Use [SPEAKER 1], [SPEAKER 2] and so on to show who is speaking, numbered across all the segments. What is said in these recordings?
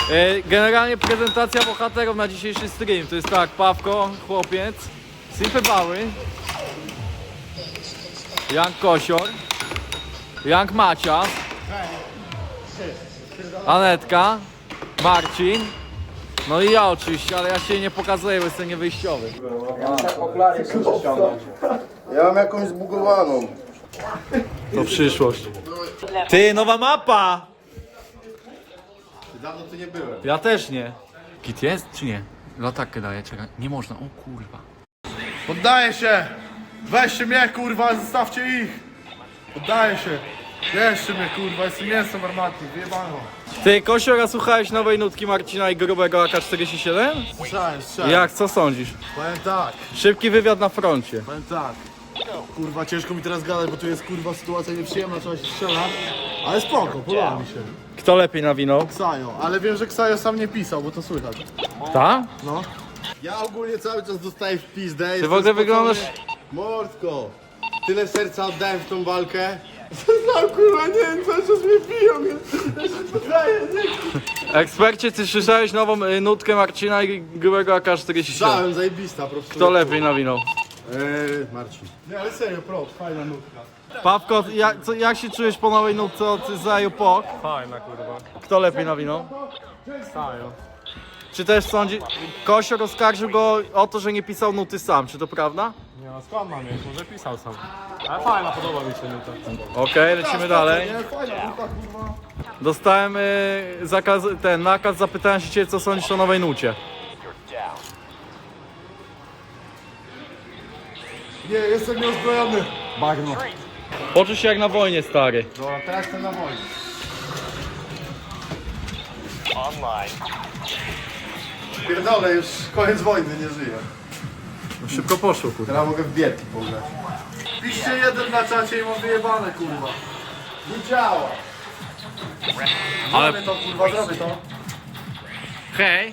[SPEAKER 1] Generalnie prezentacja bohaterów na dzisiejszy stream. To jest tak, Pawko, chłopiec, Simple Bały, Young Kosior, Young Macias, Anetka, Marcin, no i ja oczywiście, ale ja się nie pokazuję, bo jestem niewyjściowy.
[SPEAKER 2] Ja mam jakąś zbugowaną.
[SPEAKER 1] To przyszłość. Ty, nowa mapa!
[SPEAKER 2] Dawno tu nie byłem.
[SPEAKER 1] Ja też nie. Kit jest czy nie? Latarkę daję, czekaj. Nie można, o kurwa.
[SPEAKER 2] Poddaję się! Weźcie mnie kurwa, zostawcie ich! Poddaję się! Bierzcie mnie kurwa, jestem mięsem armatnym, wyjebano.
[SPEAKER 1] Ty, Kosiora, słuchałeś nowej nutki Marcina i grubego AK-47?
[SPEAKER 2] Słyszałem.
[SPEAKER 1] Jak, co sądzisz?
[SPEAKER 2] Powiem tak,
[SPEAKER 1] Szybki wywiad na froncie.
[SPEAKER 2] powiem tak. Kurwa, ciężko mi teraz gadać, bo tu jest kurwa sytuacja nieprzyjemna, trzeba się strzelać. Ale spoko, podoba mi się.
[SPEAKER 1] Kto lepiej nawinął?
[SPEAKER 2] Ksajo, ale wiem, że Ksajo sam nie pisał, bo to słychać.
[SPEAKER 1] Ta?
[SPEAKER 2] No. Ja ogólnie cały czas dostaję w pizdę.
[SPEAKER 1] Ty w ogóle wyglądasz...
[SPEAKER 2] Mordko, tyle serca oddałem w tą walkę. No kurwa, nie wiem, cały czas mnie biją. Ja się poddaję, nie.
[SPEAKER 1] Ekspercie, ty słyszałeś nową nutkę Marcina i grubego AK-47?
[SPEAKER 2] Słyszałem, zajebista po prostu.
[SPEAKER 1] Kto lepiej nawinął?
[SPEAKER 2] Marcin. Nie, ale serio, fajna nutka.
[SPEAKER 1] Pawko, jak się czujesz po nowej nutce od Zaju Pok?
[SPEAKER 3] Fajna kurwa.
[SPEAKER 1] Kto lepiej nawinął?
[SPEAKER 3] Stają.
[SPEAKER 1] Czy też sądzi... Kosior oskarżył go o to, że nie pisał nuty sam, czy to prawda?
[SPEAKER 3] Nie no skąd mam mieć? Może pisał sam. Ale fajna, podoba mi się nuta.
[SPEAKER 1] Okej, lecimy dalej.
[SPEAKER 2] Nie, fajna nutka, kurwa.
[SPEAKER 1] Dostałem nakaz, zapytałem się ciebie, co sądzisz o nowej nucie.
[SPEAKER 2] Nie, jestem nieuzbrojony.
[SPEAKER 3] Bagno.
[SPEAKER 1] Poczuj się jak na wojnie, stary.
[SPEAKER 2] Dobra, teraz jestem na wojnie. Pierdolę, już koniec wojny, nie żyję.
[SPEAKER 1] Szybko poszło, kurwa.
[SPEAKER 2] Teraz mogę w bierki pograć. Piszcie jeden na czacie i mam wyjebane, kurwa. Nie działa.
[SPEAKER 1] Ale-
[SPEAKER 2] Zrobię to, kurwa, zrobię to.
[SPEAKER 1] Hej!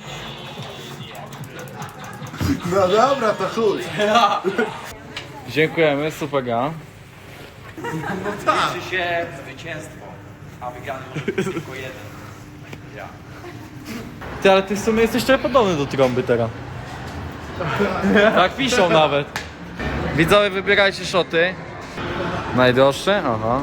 [SPEAKER 2] No dobra, to chuj.
[SPEAKER 1] Dziękujemy, super gra.
[SPEAKER 4] Liczy się zwycięstwo, a wygrany może być tylko jeden.
[SPEAKER 1] Ty, ale ty w sumie jesteś trochę podobny do trąby teraz. Tak piszą nawet. Widzowie, wybierajcie szoty. Najdroższe? Aha.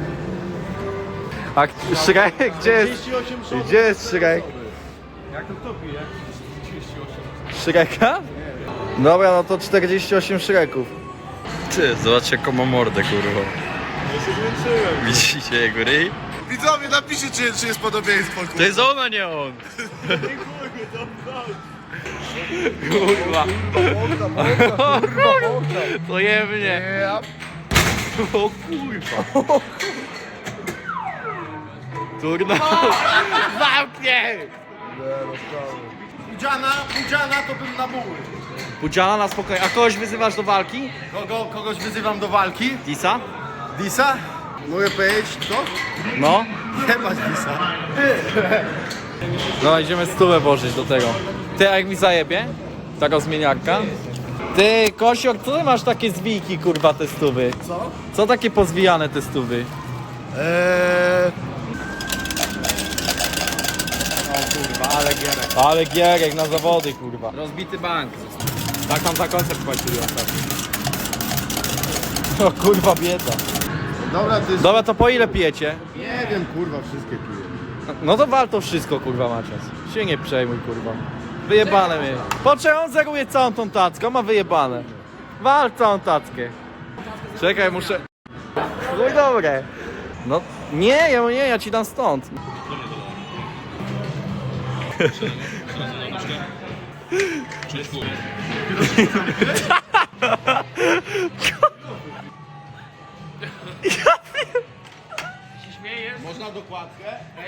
[SPEAKER 1] A Shrek? Gdzie jest Shrek?
[SPEAKER 3] Jak to pije? 38.
[SPEAKER 1] Shreka? Dobra, no to 48 Shreków.
[SPEAKER 4] Ty, zobaczcie jaką ma mordę, kurwa.
[SPEAKER 3] Ja się zmęczyłem.
[SPEAKER 4] Widzicie jego ryj?
[SPEAKER 2] Widzowie, napiszcie, czy jest podobieństwo, kurwa.
[SPEAKER 4] To jest ona, nie on!
[SPEAKER 1] Kurwa. To jebnie. O kurwa. Turna. Zamknie!
[SPEAKER 2] Pudziana to bym na buły.
[SPEAKER 1] Pudziana na spokojnie. A kogoś wyzywasz do walki?
[SPEAKER 2] Kogoś wyzywam do walki.
[SPEAKER 1] Disa?
[SPEAKER 2] Disa? Mogę powiedzieć kto?
[SPEAKER 1] No.
[SPEAKER 2] Nie masz Disa.
[SPEAKER 1] No idziemy stówę włożyć do tego. Ty, a jak mi zajebie? Taka zmieniarka. Ty, Kosior, co ty masz takie zwijki, kurwa, te stówy?
[SPEAKER 2] Co?
[SPEAKER 1] Co takie pozwijane te stówy? Ale gierek na zawody, kurwa.
[SPEAKER 4] Rozbity bank.
[SPEAKER 3] Tak tam za koncert płacili ostatnio.
[SPEAKER 1] O kurwa, bieda.
[SPEAKER 2] Dobra, ty...
[SPEAKER 1] Dobra, to po ile pijecie?
[SPEAKER 2] Nie wiem, kurwa, wszystkie piję.
[SPEAKER 1] No to wal to wszystko, kurwa, Macias. Się nie przejmuj, kurwa. Wyjebane mnie. Po czemu on zeruje całą tą tackę? On ma wyjebane. Wal całą tackę. Czekaj, muszę... No i dobre. No, nie, ja ci dam stąd.
[SPEAKER 2] Można dokładkę?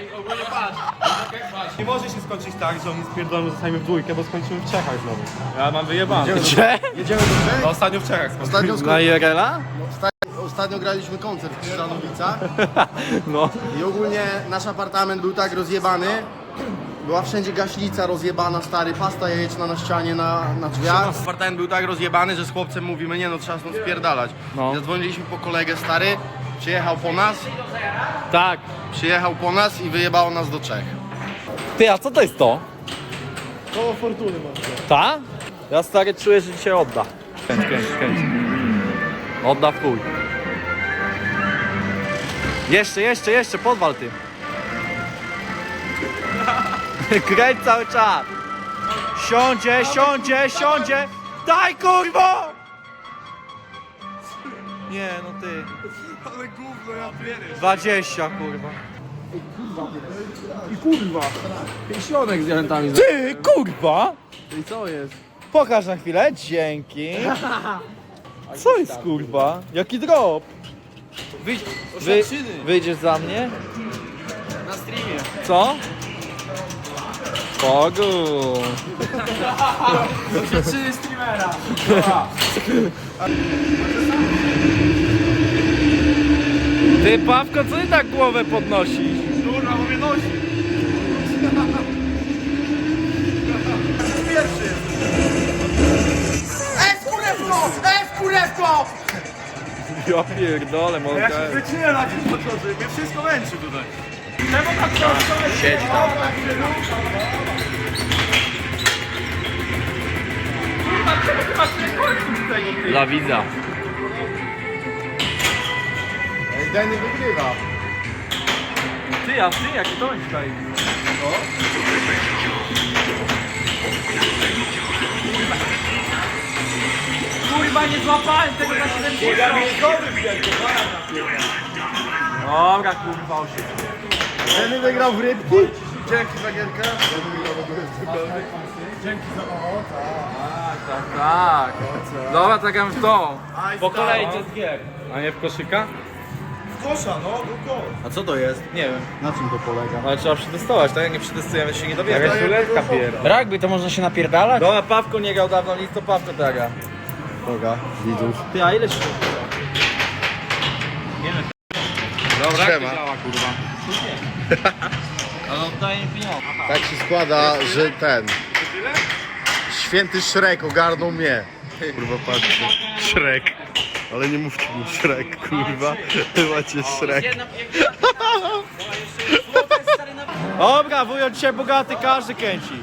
[SPEAKER 3] Nie może się skończyć tak, że oni spierdolą, zostajemy w dwójkę, bo skończymy w Czechach znowu. Ja mam wyjebane.
[SPEAKER 1] Gdzie?
[SPEAKER 2] Jedziemy do Czech?
[SPEAKER 3] No ostatnio w Czechach skończyłem.
[SPEAKER 2] Ostatnio,
[SPEAKER 1] Na IRL-a?
[SPEAKER 2] ostatnio graliśmy koncert w Krzyżanowicach
[SPEAKER 1] No.
[SPEAKER 2] i ogólnie nasz apartament był tak rozjebany. Była wszędzie gaśnica rozjebana, stary, pasta jajeczna na ścianie, na drzwiach. Apartament był tak rozjebany, że z chłopcem mówimy, nie no, trzeba stąd spierdalać.
[SPEAKER 1] No.
[SPEAKER 2] Zadzwoniliśmy po kolegę, stary, przyjechał po nas
[SPEAKER 1] Tak.
[SPEAKER 2] i wyjebało nas do Czech.
[SPEAKER 1] Ty, a co to jest to?
[SPEAKER 2] Koło fortuny masz.
[SPEAKER 1] Ta? Ja stary czuję, że dzisiaj odda. Kręć. Odda w chuj. Jeszcze, podwal ty. Kręć cały czas. Siądzie. Daj kurwo! Nie, no ty.
[SPEAKER 2] Ale gówno, ja pierę.
[SPEAKER 1] 20 kurwa.
[SPEAKER 2] I kurwa. Pięścionek z diamentami.
[SPEAKER 1] Ty kurwa!
[SPEAKER 2] I co jest?
[SPEAKER 1] Pokaż na chwilę, dzięki. Co jest kurwa? Jaki drop? Wyjdziesz za mnie?
[SPEAKER 2] Na streamie.
[SPEAKER 1] Co? Bogu.
[SPEAKER 2] Czy streamera.
[SPEAKER 1] Ty Pawko, co ty tak głowę podnosisz?
[SPEAKER 2] Kurwa, mówię nosi. Pierwszy. Kurewko!
[SPEAKER 1] Ja pierdolę, mogę.
[SPEAKER 2] Ja się wyczuję na dziś podchodzę, mnie wszystko męczy tutaj. Czemu tak to siedzi tam?
[SPEAKER 1] Dla widza.
[SPEAKER 2] Danny wygrywa.
[SPEAKER 1] Ty, jaki to jest tutaj? Kurwa, nie złapałem tego na 70. Dobra, kurwa, 8.
[SPEAKER 2] Danny wygrał w rybki? Dzięki za gierkę.
[SPEAKER 1] Tak. Dobra, tak jak w tą. Po kolei z gier. A nie w koszyka?
[SPEAKER 2] Kosza, no, był kosz.
[SPEAKER 1] A co to jest? Nie wiem.
[SPEAKER 2] Na czym to polega?
[SPEAKER 1] Ale trzeba przetestować, tak? Jak nie przetestujemy, się nie dowiemy.
[SPEAKER 2] Jakaś ruletka pierdolę.
[SPEAKER 3] Rugby to można się napierdalać?
[SPEAKER 1] Dobra, Pawko nie grał dawno, nic to Pawko traga.
[SPEAKER 2] Boga, widzów.
[SPEAKER 1] Ty, a ile się
[SPEAKER 3] Dobra,
[SPEAKER 2] Siema.
[SPEAKER 3] jak to działa, kurwa?
[SPEAKER 1] Ale oddaję mi pieniądze.
[SPEAKER 2] Tak się składa, że ten... Święty Szrek ogarnął mnie. Kurwa, patrzcie. Szrek. Ale nie mówcie mu Szrek, kurwa. Macie Szrek.
[SPEAKER 1] Dobra, wujo dzisiaj bogaty, każdy kręci.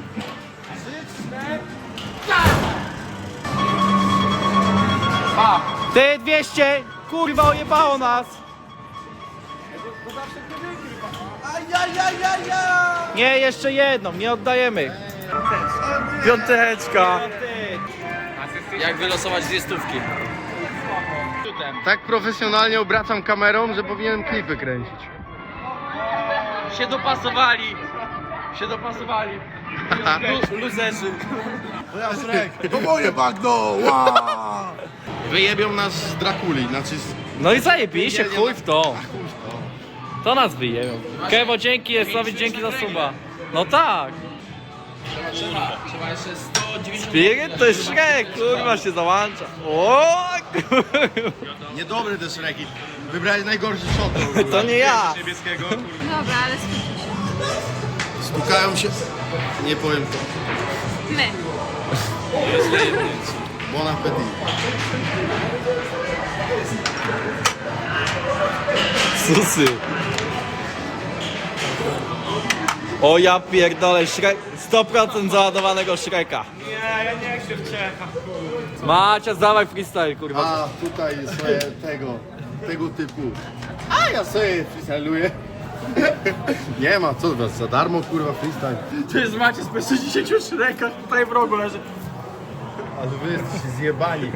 [SPEAKER 1] Ty 200! Kurwa, ojebało nas! Nie, jeszcze jedną, nie oddajemy. Piąteczka.
[SPEAKER 4] Jak wylosować dwie stówki?
[SPEAKER 2] Tak profesjonalnie obracam kamerą, że powinienem klipy kręcić.
[SPEAKER 4] Się dopasowali! Luzerzy.
[SPEAKER 2] To moje bagno! Wyjebią nas z Drakuli, znaczy z...
[SPEAKER 1] No i zajebiście, chuj w to. To nas wyjeją. Kewo, dzięki, Jesowi, dzięki za suba. No tak.
[SPEAKER 4] Trzeba jeszcze 190.
[SPEAKER 1] Spirit to jest Shrek, kurwa się załącza. O, kurwa.
[SPEAKER 2] Niedobry te Szreki. Wybrałeś najgorszy shot.
[SPEAKER 1] To nie ja.
[SPEAKER 5] Dobra, ale skupmy się.
[SPEAKER 2] Stukają się... Nie powiem to.
[SPEAKER 5] My.
[SPEAKER 2] Bon appetit.
[SPEAKER 1] Susy. O ja pierdolę, Shrek, 100% załadowanego Shreka.
[SPEAKER 3] Nie, ja nie chcę w Czechach.
[SPEAKER 1] Macias, dawaj freestyle, kurwa.
[SPEAKER 2] A tutaj sobie tego typu. A ja sobie freestyluję. Nie ma, co was za darmo kurwa freestyle.
[SPEAKER 3] To jest Macie z 160 Shrekach, tutaj w rogu leży.
[SPEAKER 2] Ale wy jesteście zjebani.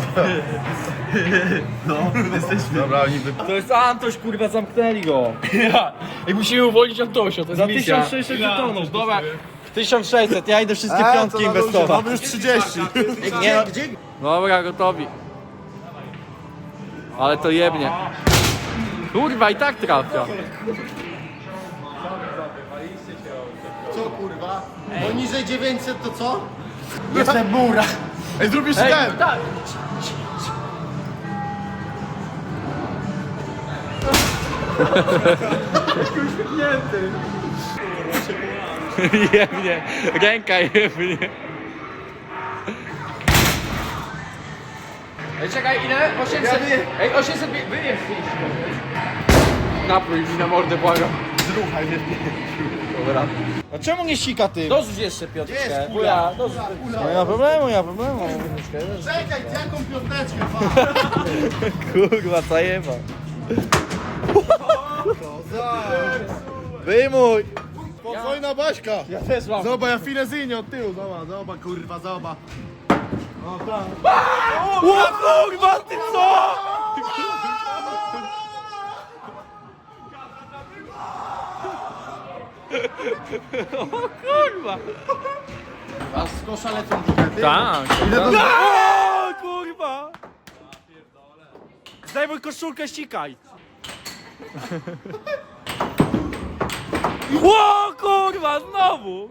[SPEAKER 2] No, jesteśmy. Dobra, oni by...
[SPEAKER 1] To jest Antoś, kurwa, zamknęli go.
[SPEAKER 3] Ja. I musimy uwolnić Antosia, to jest
[SPEAKER 1] Za
[SPEAKER 3] misja.
[SPEAKER 1] 1600 żetonów, dobra. 1600, ja idę wszystkie piątki inwestować.
[SPEAKER 2] Mamy już 30.
[SPEAKER 1] Nie, dobra, gotowi. Ale to jebnie. Kurwa, i tak trafia.
[SPEAKER 2] Co kurwa? Poniżej 900 to co? Jestem mura. Ej, zrób jeszcze ten.
[SPEAKER 1] tak. Jebnie, ręka jebnie.
[SPEAKER 4] Ej, czekaj, ile? 800. Ej, 800. Wyjesz.
[SPEAKER 1] Napój mi na mordę, błagam.
[SPEAKER 2] Zruchaj mnie.
[SPEAKER 1] Dobra. A czemu nie sika ty?
[SPEAKER 6] Dorzuć jeszcze Piotrkę.
[SPEAKER 2] Jest kula.
[SPEAKER 6] Wuja, dorzuć.
[SPEAKER 1] Nie ma problemu, nie ma problemu.
[SPEAKER 2] Czekaj, jaką piąteczkę,
[SPEAKER 1] Kurwa, zajeba. Wyjmuj!
[SPEAKER 2] Spokojna Baśka.
[SPEAKER 6] Ja też mam.
[SPEAKER 2] Zobacz, ja filezyjnie od tyłu, zobacz, kurwa, zobacz.
[SPEAKER 1] O kurwa, ty co? O kurwa.
[SPEAKER 2] A z kosza lecą dżukety?
[SPEAKER 1] Tak.
[SPEAKER 2] Idę do...
[SPEAKER 1] O kurwa. Zdejmuj koszulkę, ścikaj. O kurwa, znowu.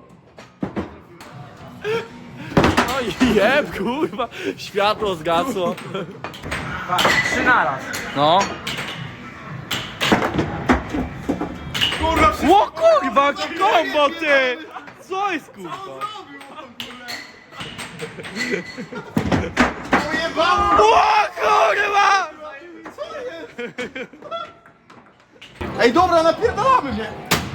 [SPEAKER 1] No jeb, kurwa. Światło zgasło.
[SPEAKER 6] 3 naraz.
[SPEAKER 1] No. O kurwa, jaki kombo ty! Co jest kurwa? O kurwa!
[SPEAKER 2] Ej, dobra, napierdalamy mnie.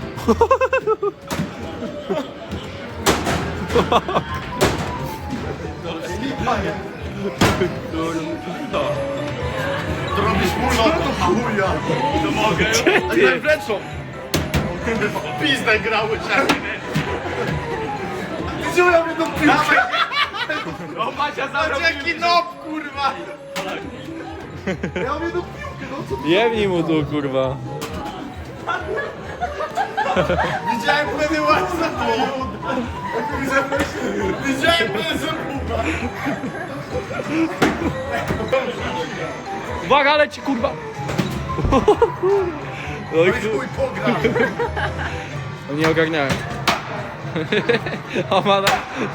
[SPEAKER 2] To robisz mulot, to chuja. To mogę. A ja wręczą. Pizdę grały się. Wziąłem mnie do piłki.
[SPEAKER 6] O, Macia zabrał
[SPEAKER 2] Jaki nob, kurwa. Ja mam jedną piłkę, no co?
[SPEAKER 1] Jebnij mu tu kurwa.
[SPEAKER 2] Widziałem wtedy łatwo. Widziałem wtedy zębuba.
[SPEAKER 1] Uwaga, leci kurwa. No i
[SPEAKER 2] Chuj pogra.
[SPEAKER 1] no nie ogarniałem. O mana.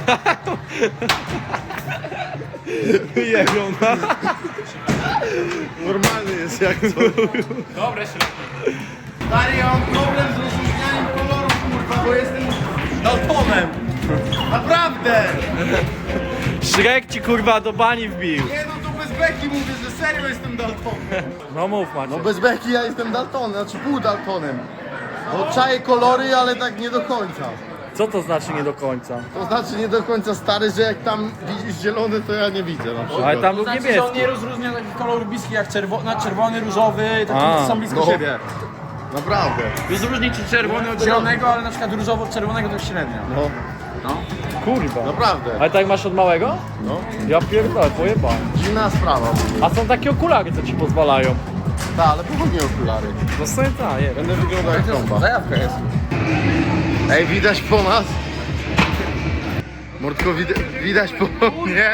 [SPEAKER 1] Jebią na.
[SPEAKER 2] Normalny jest jak to.
[SPEAKER 6] Dobre się.
[SPEAKER 2] Stary, ja mam problem z rozróżnianiem kolorów, kurwa, bo jestem daltonem. Naprawdę.
[SPEAKER 1] Shrek ci kurwa do bani wbił.
[SPEAKER 2] Nie no, to bez beki mówię, że serio jestem daltonem.
[SPEAKER 1] No mów Macie.
[SPEAKER 2] No bez beki ja jestem daltonem, znaczy pół daltonem. Bo czaję kolory, ale tak nie do końca.
[SPEAKER 1] Co to znaczy nie do końca?
[SPEAKER 2] To znaczy nie do końca stary, że jak tam widzisz zielony, to ja nie widzę na przykład.
[SPEAKER 1] Ale tam był
[SPEAKER 6] Znaczy, że on
[SPEAKER 1] niebieski.
[SPEAKER 6] nie rozróżnia takich kolorów bliskich jak czerwony, różowy,
[SPEAKER 1] A,
[SPEAKER 6] takie są blisko
[SPEAKER 2] no.
[SPEAKER 6] siebie.
[SPEAKER 2] Naprawdę.
[SPEAKER 6] Rozróżnić ci czerwony od zielonego, ale na przykład różowo od czerwonego to jest średnio.
[SPEAKER 2] No,
[SPEAKER 1] Kurwa.
[SPEAKER 2] naprawdę.
[SPEAKER 1] Ale tak masz od małego?
[SPEAKER 2] No.
[SPEAKER 1] Ja pierdolę, pojebałem.
[SPEAKER 2] Dziwna sprawa.
[SPEAKER 1] A są takie okulary, co ci pozwalają.
[SPEAKER 2] Tak, ale pochodnie okulary.
[SPEAKER 1] No sobie tak, je.
[SPEAKER 2] Będę wyglądał jak trąba.
[SPEAKER 6] Zajawka jest.
[SPEAKER 2] Ej, widać po nas? Mordko, widać po mnie?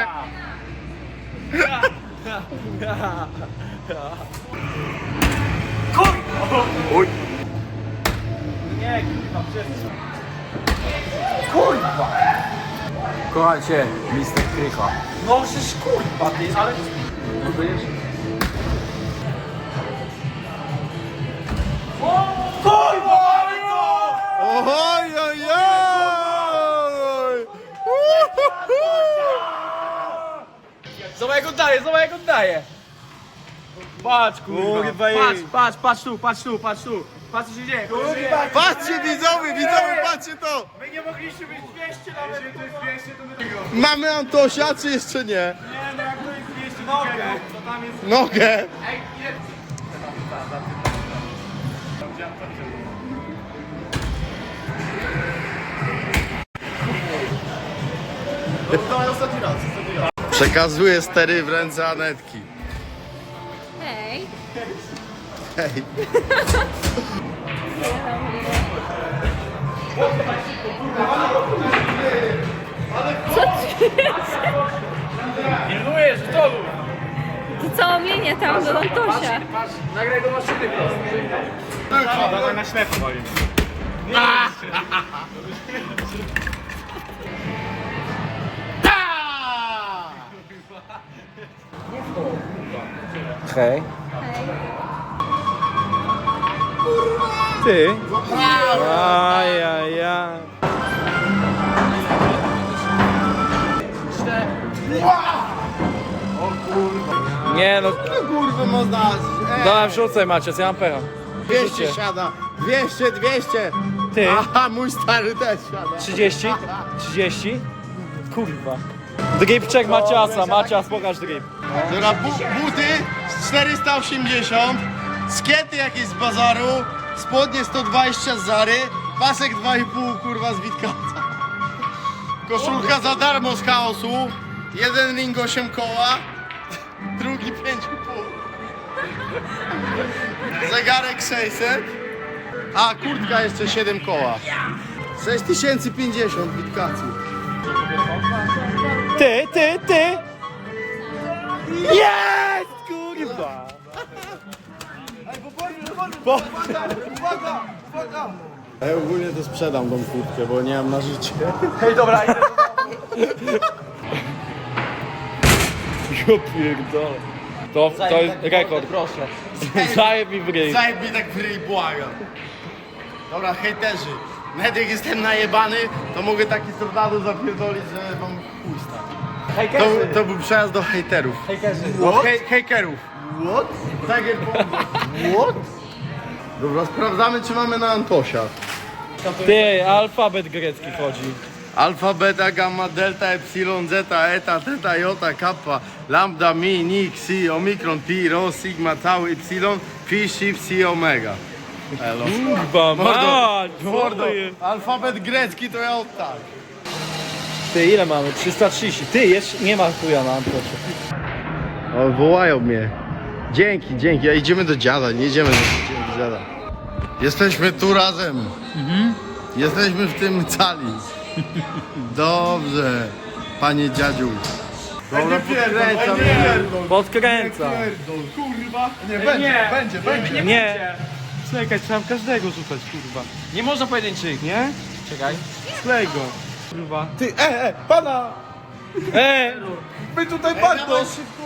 [SPEAKER 2] Oj.
[SPEAKER 6] Kocham cię, Mr. Krycha. No przecież kurwa ty, ale...
[SPEAKER 2] Oj, oj, oj!
[SPEAKER 6] Zobacz jak oddaje, zobacz jak oddaje. Patrz kurwa. Patrz tu. Patrz co się dzieje.
[SPEAKER 2] Patrzcie widzowie, patrzcie to!
[SPEAKER 6] My nie mogliśmy być 200 nawet. Jeżeli to jest 200 to my tego.
[SPEAKER 2] Mamy Antosia, czy jeszcze nie?
[SPEAKER 6] Nie no jak to jest 200 nogę. To tam jest...
[SPEAKER 2] Nogę!
[SPEAKER 6] Ej, ile...
[SPEAKER 2] Przekazuję stery w ręce Anetki.
[SPEAKER 5] Hej.
[SPEAKER 2] Hej.
[SPEAKER 6] Pilnujesz, że to był.
[SPEAKER 5] To całą linię tam do Antosia.
[SPEAKER 6] Patrz, nagraj do maszyny prosto. Dawaj na ślepo walimy.
[SPEAKER 1] Hej.
[SPEAKER 5] Hej.
[SPEAKER 1] Ty? Ajajaj. Nie no,
[SPEAKER 2] Kurwa, można...
[SPEAKER 1] dałem wrzucaj Macie, ja mam pecha.
[SPEAKER 2] 200 siada, 200,
[SPEAKER 1] Ty?
[SPEAKER 2] Aha, mój stary też siada.
[SPEAKER 1] 30? 30? Kurwa. Dripczek Maciasa, Macias, pokaż drip.
[SPEAKER 2] Dobra, buty 480, skiety jakieś z bazaru, spodnie 120 z Zary, pasek 2,5 kurwa z Witkaca. Koszulka za darmo z Chaosu, jeden ring 8 koła, drugi 5,5. Zegarek 600, a kurtka jeszcze 7 koła. 6050 Witkacu.
[SPEAKER 1] Ty! Jest! Kurwa!
[SPEAKER 2] Ja ogólnie to sprzedam tą kurtkę, bo nie mam na życie.
[SPEAKER 6] Hej, dobra, idę.
[SPEAKER 1] Ja pierdolę. To jest rekord.
[SPEAKER 6] Proszę.
[SPEAKER 1] Zajeb mi w ryj.
[SPEAKER 2] Zajeb mi tak w ryj, błagam. Dobra, hejterzy. Nawet jak jestem najebany, to mogę taki tornado zapierdolić, że wam chuj stać. To był przejazd do hejterów. Hejkerów. What? Tiger What? Dobra, sprawdzamy, czy mamy na Antosia.
[SPEAKER 1] Ty, alfabet grecki chodzi.
[SPEAKER 2] Alfa, beta, gamma, delta, epsilon, zeta, eta, teta, jota, kappa, lambda, mi, ni, xi, omikron, pi, rho, sigma, tau, ypsilon, phi, psi, psi, omega. Elo.
[SPEAKER 1] Kurwa, mać!
[SPEAKER 2] Mordo, alfabet grecki to ja od tak.
[SPEAKER 1] Ty, ile mamy? 330. Ty, jeszcze nie ma chuja na Antosie.
[SPEAKER 2] O, wołają mnie. Dzięki, a idziemy do dziada, nie idziemy do dziada. Jesteśmy tu razem. Jesteśmy w tym cali. Dobrze, panie dziadziu. Dobra,
[SPEAKER 1] Podkręca. Nie.
[SPEAKER 3] Czekaj, trzeba każdego rzucać, kurwa.
[SPEAKER 6] Nie można pojedynczych.
[SPEAKER 3] Nie?
[SPEAKER 6] Czekaj.
[SPEAKER 3] Sklej go. Kurwa.
[SPEAKER 6] My tutaj bardzo.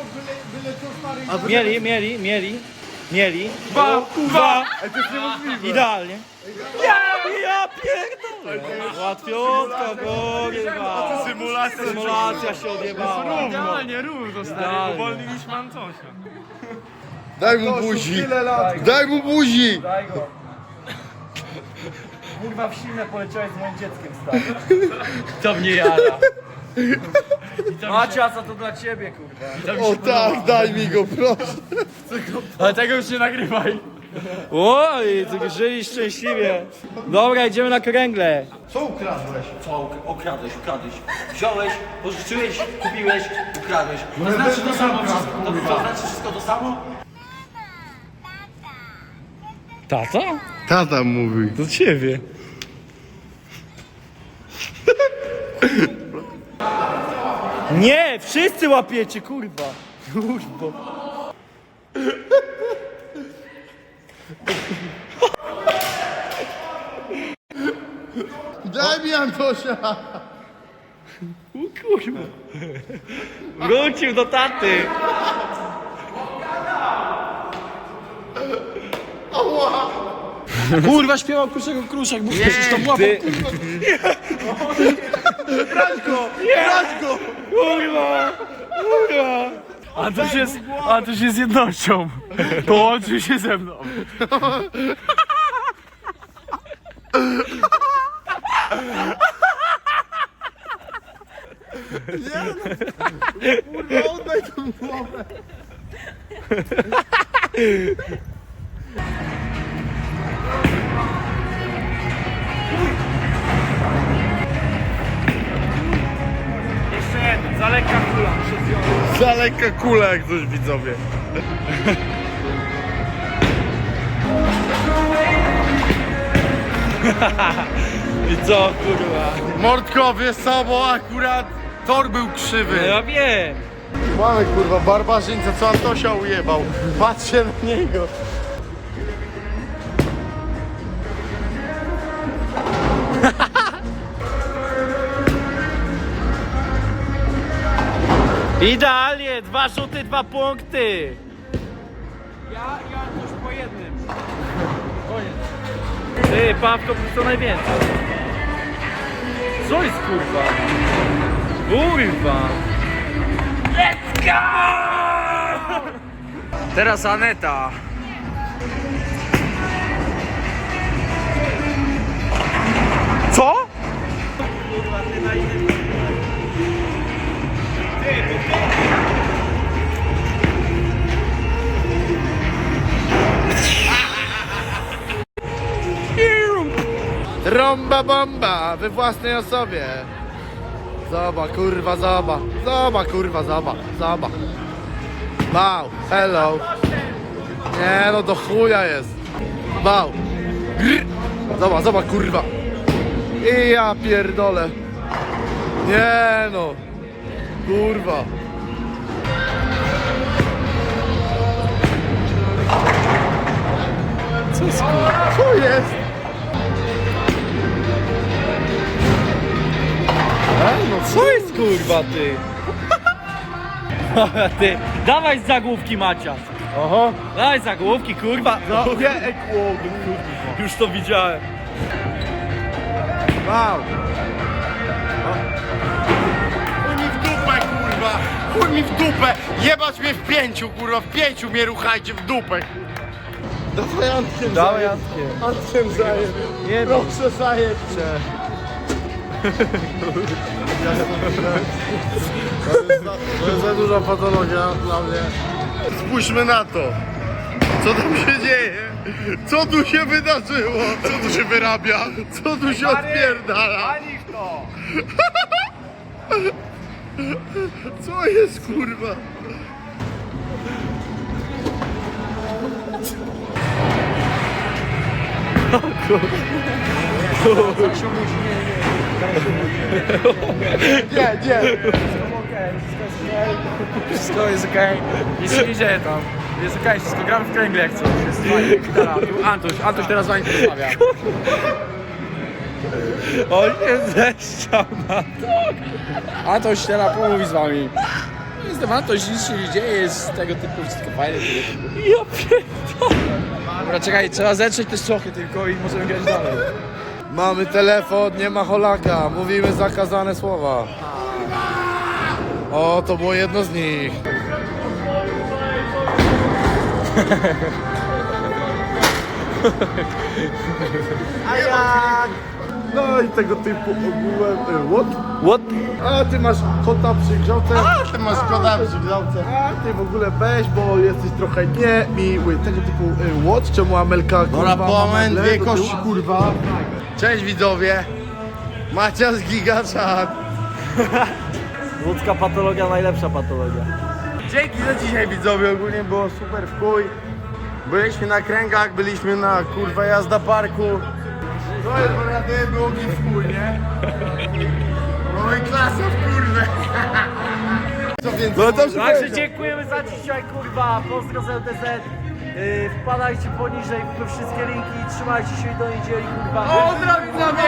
[SPEAKER 1] Mieli. Dwa. Idealnie. Ja pierdolę. Łatwiutka, kurwa. Symulacja się odjebała.
[SPEAKER 3] Idealnie, równo, stary.
[SPEAKER 1] Idealnie.
[SPEAKER 3] Uwolniliśmy Antosia.
[SPEAKER 2] Daj mu buzi. Daj mu buzi.
[SPEAKER 1] Daj go. Kurwa, w silne poleciałeś z moim dzieckiem, stary.
[SPEAKER 6] To mnie jara.
[SPEAKER 1] Maciasa, to dla ciebie, kurwa.
[SPEAKER 2] O tak, daj mi go, proszę.
[SPEAKER 6] Ale tego już nie nagrywaj.
[SPEAKER 1] Oj, żyli szczęśliwie. Dobra, idziemy na kręgle.
[SPEAKER 2] Co ukradłeś?
[SPEAKER 4] Co? Okradłeś. Wziąłeś, pożyczyłeś, kupiłeś, ukradłeś. To znaczy to samo wszystko. To znaczy wszystko to samo?
[SPEAKER 1] Tata?
[SPEAKER 2] Tata mówi.
[SPEAKER 1] Do ciebie. Nie, wszyscy łapiecie, kurwa. Kurwa.
[SPEAKER 2] Daj mi Antosia.
[SPEAKER 1] Kurwa. Wrócił do taty.
[SPEAKER 6] Kurwa, śpiewał Kruszego Kruszek, bo przecież to łapał.
[SPEAKER 2] Brać go.
[SPEAKER 1] Kurwa.
[SPEAKER 3] Antoś jest jednością. Połączył się ze mną.
[SPEAKER 2] Kurwa, oddaj tą głowę.
[SPEAKER 3] Jeszcze jeden, za lekka kula.
[SPEAKER 2] Za lekka kula, jak coś widzowie.
[SPEAKER 1] I co, kurwa?
[SPEAKER 2] Mordko, wiesz co, bo akurat tor był krzywy.
[SPEAKER 1] Ja wiem.
[SPEAKER 2] Mamy kurwa barbarzyńca, co Antosia ujebał. Patrzcie na niego.
[SPEAKER 1] Idealnie, 2 rzuty, 2 punkty.
[SPEAKER 6] Ja już po jednym.
[SPEAKER 1] Ty, Pawko, co najwięcej. Co jest, kurwa? Kurwa. Let's go!
[SPEAKER 6] Teraz Aneta. kurwa, ty na innym.
[SPEAKER 2] Trąba bomba we własnej osobie. Zobacz, kurwa, zobacz. Zobacz, kurwa, zobacz. Zobacz. Wow, hello. Nie no, do chuja jest. Wow. Grr. Zobacz, zobacz, kurwa. I ja pierdolę. Nie no. Kurwa. Co jest, kurwa? Co jest?
[SPEAKER 1] No co jest kurwa ty?
[SPEAKER 6] Ty, dawaj z zagłówki, Macias.
[SPEAKER 1] Oho.
[SPEAKER 6] Dawaj zagłówki, kurwa. No,
[SPEAKER 1] Już to widziałem.
[SPEAKER 2] Wow. Chuj mi w dupę, kurwa. Chuj mi w dupę. Jebać mnie w pięciu, kurwa. W pięciu mnie ruchajcie w dupę. Dawaj Antkiem
[SPEAKER 1] Dawaj
[SPEAKER 2] zajeb.
[SPEAKER 1] Antkiem.
[SPEAKER 2] Antkiem zajeb.
[SPEAKER 1] Nie
[SPEAKER 2] Proszę zajebcie. To jest za duża patologia dla mnie. Spójrzmy na to. Co tam się dzieje? Co tu się wydarzyło? Co tu się wyrabia? Co tu się odpierdala?
[SPEAKER 6] Ani to.
[SPEAKER 2] Co jest, kurwa? Nie, nie.
[SPEAKER 6] Wszystko jest okej. Nic się nie dzieje tam. Jest okej, wszystko gramy w kręgle jak coś. Jest fajnie, gitara. Tu Antoś teraz z wami porozmawia.
[SPEAKER 1] On się zeszczał na to.
[SPEAKER 6] Antoś teraz pomówi z wami. Jestem Antoś, nic się nie dzieje, jest tego typu wszystko fajne.
[SPEAKER 1] Ja pierdolę.
[SPEAKER 6] Dobra, czekaj, trzeba zetrzeć te szochy tylko i możemy grać dalej.
[SPEAKER 2] Mamy telefon, nie ma Holaka. Mówimy zakazane słowa. O, to było jedno z nich. A jak? No i tego typu ogółem. What? A ty masz kota przy grzałce. A ty masz kota przy grzałce. A ty w ogóle weź, bo jesteś trochę niemiły. Tego typu what? Czemu Amelka kurwa?
[SPEAKER 7] Dobra, moment,
[SPEAKER 2] ma
[SPEAKER 7] dwie
[SPEAKER 2] meble do
[SPEAKER 7] kości,
[SPEAKER 2] tyłu?
[SPEAKER 7] kurwa. Cześć widzowie. Macias Gigachat.
[SPEAKER 1] Ludzka patologia, najlepsza patologia.
[SPEAKER 7] Dzięki za dzisiaj widzowie, ogólnie było super w chuj. Byliśmy na kręgach, byliśmy na kurwa jazda parku. To jest wariaty, było mi w chuj, nie? No i klasa w kurwę. Co więcej?
[SPEAKER 2] No to
[SPEAKER 6] Także dziękujemy za dzisiaj, kurwa. Pozdro z LTZ. Wpadajcie poniżej we wszystkie linki i trzymajcie się do niedzieli, kurwa. Pozdro widzowie!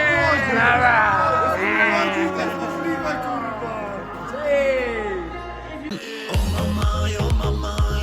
[SPEAKER 2] Kurwa.
[SPEAKER 6] Cześć!